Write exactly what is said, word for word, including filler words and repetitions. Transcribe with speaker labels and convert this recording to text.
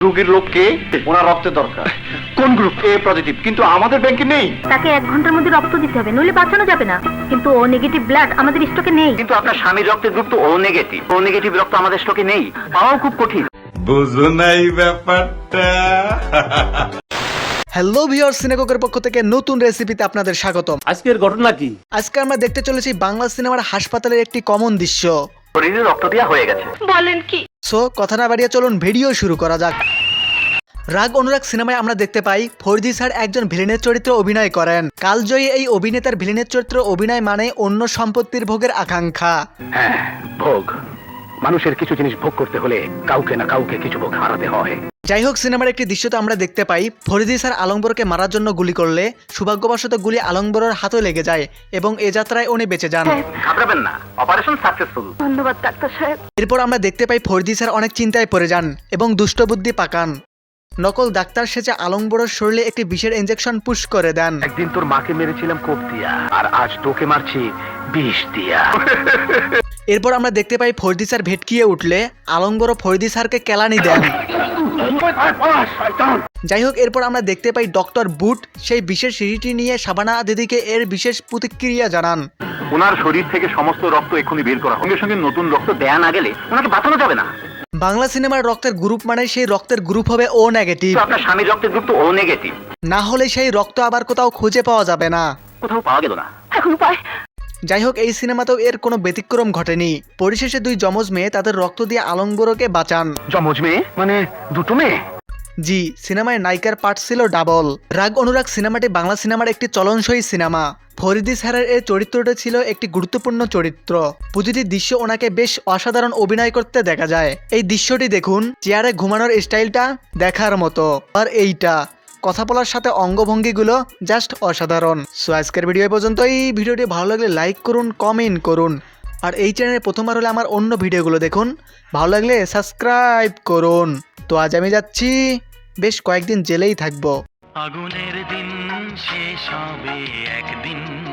Speaker 1: রোগীর লোককে ওনার রক্তের দরকার। কোন গ্রুপ? এ পজিটিভ, কিন্তু আমাদের ব্যাংকে নেই।
Speaker 2: তাকে এক ঘন্টার মধ্যে রক্ত দিতে হবে, নইলে বাঁচানো যাবে না। কিন্তু ও নেগেটিভ ব্লাড আমাদের স্টকে নেই।
Speaker 3: কিন্তু আপনার স্বামীর রক্তের গ্রুপ তো ও নেগেটিভ। ও নেগেটিভ রক্ত আমাদের স্টকে নেই, পাওয়াও খুব কঠিন।
Speaker 4: বুঝো নাই ব্যাপারটা।
Speaker 5: হ্যালো ভিউয়ার্স, সিনেককের পক্ষ থেকে নতুন রেসিপিতে আপনাদের স্বাগতম।
Speaker 6: আজকের ঘটনা কি?
Speaker 5: আজকে আমরা দেখতে চলেছি বাংলা সিনেমার হাসপাতালের একটি কমন দৃশ্য।
Speaker 3: শরীরে রক্ত দেওয়া হয়ে গেছে।
Speaker 2: বলেন কি?
Speaker 5: সো কথা না বাড়িয়ে চলুন ভিডিও শুরু করা যাক। রাগ অনুরাগ সিনেমায় আমরা দেখতে পাই ফরজি স্যার একজন ভিলেনের চরিত্রে অভিনয় করেন। কালজয়ী এই অভিনেতার ভিলেনের চরিত্রে অভিনয় মানে অন্য সম্পত্তির ভোগের আকাঙ্ক্ষা।
Speaker 3: হ্যাঁ, ভোগ। মানুষের কিছু জিনিস ভোগ করতে হলে কাউকে না কাউকে কিছু ভোগ হারাতে হয়।
Speaker 5: যাই হোক, সিনেমার একটি দৃশ্যতে আমরা দেখতে পাই ফরজি স্যার আলমবরকে মারার জন্য গুলি করলে সৌভাগ্যবশত গুলি আলমবরের হাতে লেগে যায় এবং এ যাত্রায় উনি বেঁচে যান।
Speaker 3: ঘাবড়াবেন না, অপারেশন সাকসেসফুল।
Speaker 2: ধন্যবাদ ডাক্তার সাহেব।
Speaker 5: এরপর আমরা দেখতে পাই ফরজি স্যার অনেক চিন্তায় পড়ে যান এবং দুষ্টবুদ্ধি পাকান। নকল ডাক্তার সেজে আলমবরের শরীরে একটি বিষের ইনজেকশন পুশ করে দেন।
Speaker 3: একদিন তোর মাকে মেরেছিলাম কোপ দিয়া, আর আজ তোকে মারছি বিষ দিয়া।
Speaker 5: এরপর আমরা দেখতে পাই ফরজি স্যার ভেটকিয়ে উঠলে আলমবরও ফরজি স্যারকে কেলানি দেন। যাই হোক, এরপর আমরা দেখতে পাই ডক্টর বুট সেই বিশেষ সিঁড়িটি নিয়ে শাবানা দিদিকে এর বিশেষ প্রতিক্রিয়া জানান।
Speaker 3: ওনার শরীর থেকে সমস্ত রক্ত এক্ষুনি বের করা, সঙ্গে সঙ্গে নতুন রক্ত দেয়া না গেলে ওনাকে বাঁচানো যাবে না।
Speaker 5: বাংলা সিনেমার রক্তের গ্রুপ মানে সেই রক্তের গ্রুপ হবে ও নেগেটিভ।
Speaker 3: তো আপনার স্বামীর রক্তের গ্রুপ তো ও নেগেটিভ।
Speaker 5: না হলে সেই রক্ত আবার কোথাও খুঁজে পাওয়া যাবে না।
Speaker 3: কোথাও পাওয়া গেল না।
Speaker 2: এখন উপায়?
Speaker 5: যাই হোক, এই সিনেমাতেও এর কোনো ব্যতিক্রম ঘটেনি। পরিশেষে দুই যমজ মেয়ে তাদের রক্ত দিয়ে আলমবরকে বাঁচান।
Speaker 3: যমজ মেয়ে মানে দুটো মেয়ে?
Speaker 5: জি, সিনেমায় নায়িকার পার্ট ছিল ডাবল। রাগ অনুরাগ সিনেমাটি বাংলা সিনেমার একটি চলনসই সিনেমা। ফরিদি স্যারের এই চরিত্রটি ছিল একটি গুরুত্বপূর্ণ চরিত্র। প্রতিটি দৃশ্য ওনাকে বেশ অসাধারণ অভিনয় করতে দেখা যায়। এই দৃশ্যটি দেখুন, চেয়ারে ঘুমানোর স্টাইলটা দেখার মতো, আর এইটা কথা বলার সাথে অঙ্গভঙ্গিগুলো জাস্ট অসাধারণ। সো আজকের ভিডিও পর্যন্ত। এই ভিডিওটি ভালো লাগলে লাইক করুন, কমেন্ট করুন, আর এই চ্যানেলে প্রথমবার হলে আমার অন্য ভিডিওগুলো দেখুন। ভালো লাগলে সাবস্ক্রাইব করুন। তো আজ আমি যাচ্ছি, বেশ কয়েকদিন জেলেই থাকবো।
Speaker 7: আগুনের দিন শেষ হবে একদিন।